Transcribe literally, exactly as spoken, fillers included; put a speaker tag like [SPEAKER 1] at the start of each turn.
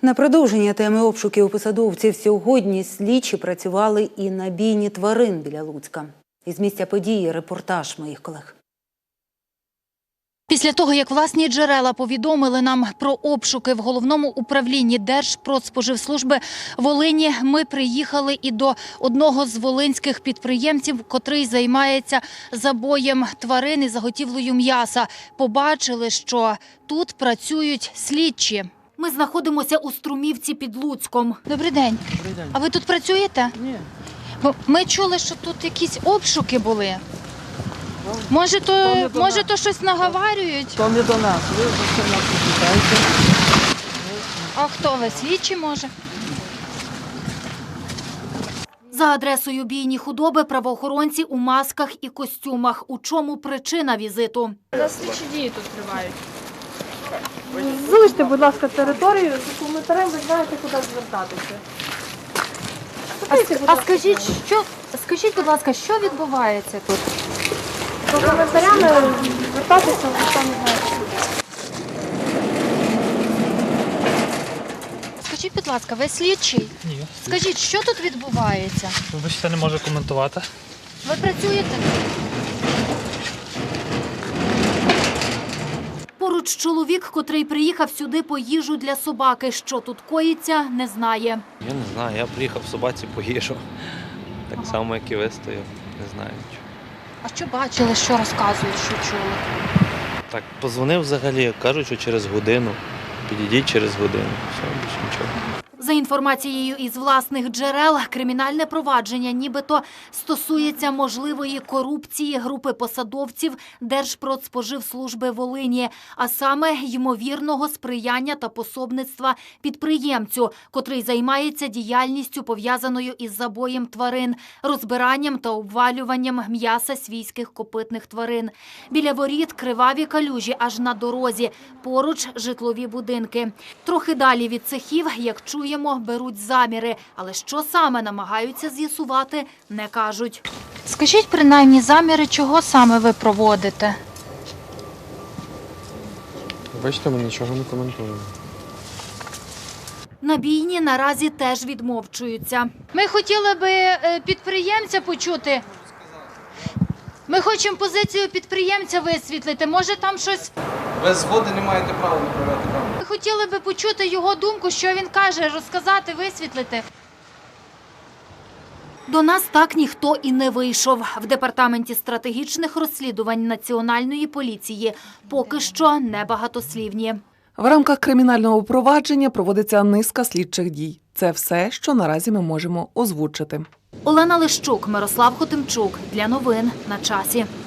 [SPEAKER 1] На продовження теми обшуків у посадовців сьогодні слідчі працювали і на бійні тварин біля Луцька. Із місця події репортаж моїх колег.
[SPEAKER 2] Після того, як власні джерела повідомили нам про обшуки в Головному управлінні Держпродспоживслужби Волині, ми приїхали і до одного з волинських підприємців, котрий займається забоєм тварин і заготівлею м'яса. Побачили, що тут працюють слідчі. Ми знаходимося у Струмівці під Луцьком. Добрий день.
[SPEAKER 3] Добрий день.
[SPEAKER 2] А ви тут працюєте?
[SPEAKER 3] Ні.
[SPEAKER 2] Бо ми чули, що тут якісь обшуки були. Може, то,
[SPEAKER 3] то
[SPEAKER 2] може, то щось наговарюють?
[SPEAKER 3] То не до нас, ви за це нас не питаєте.
[SPEAKER 2] А хто ви? Слідчі, може? За адресою бійні худоби правоохоронці у масках і костюмах. У чому причина візиту?
[SPEAKER 4] У нас слідчі дії тут тривають.
[SPEAKER 5] Залиште, будь ласка, територію, за коментарем ви знаєте, куди звертатися.
[SPEAKER 2] А, а скажіть, що, скажіть, будь ласка, що відбувається тут?
[SPEAKER 5] За коментарями звертатися, ви самі знаєте.
[SPEAKER 2] Скажіть, будь ласка, ви слідчий?
[SPEAKER 6] Ні.
[SPEAKER 2] Скажіть, що тут відбувається?
[SPEAKER 6] Вибачте, не можу коментувати.
[SPEAKER 2] Ви працюєте? Поруч чоловік, котрий приїхав сюди по їжу для собаки. Що тут коїться, не знає.
[SPEAKER 7] Я не знаю, я приїхав собаці по їжу. Так
[SPEAKER 2] Ага.
[SPEAKER 7] само, як і ви стояв. Не знаю нічого.
[SPEAKER 2] А що бачили, що розказують, що чули?
[SPEAKER 7] Так, позвонив взагалі, кажуть, що через годину. Підійдіть через годину. Все, більше нічого.
[SPEAKER 2] За інформацією із власних джерел, кримінальне провадження нібито стосується можливої корупції групи посадовців Держпродспоживслужби Волині, а саме ймовірного сприяння та пособництва підприємцю, котрий займається діяльністю, пов'язаною із забоєм тварин, розбиранням та обвалюванням м'яса свійських копитних тварин. Біля воріт криваві калюжі аж на дорозі, поруч житлові будинки. Трохи далі від цехів, як чуємо, беруть заміри, але що саме намагаються з'ясувати, не кажуть. Скажіть, принаймні, заміри, чого саме ви проводите?
[SPEAKER 8] Бачите, ми нічого не коментуємо.
[SPEAKER 2] На бійні наразі теж відмовчуються. Ми хотіли би підприємця почути. Ми хочемо позицію підприємця висвітлити. Може, там щось...
[SPEAKER 9] Без згоди не маєте права направляти камеру.
[SPEAKER 2] Ми хотіли би почути його думку, що він каже, розказати, висвітлити. До нас так ніхто і не вийшов. В Департаменті стратегічних розслідувань Національної поліції поки що небагатослівні.
[SPEAKER 10] В рамках кримінального провадження проводиться низка слідчих дій. Це все, що наразі ми можемо озвучити.
[SPEAKER 2] Олена Лищук, Мирослав Хотимчук. Для новин на часі.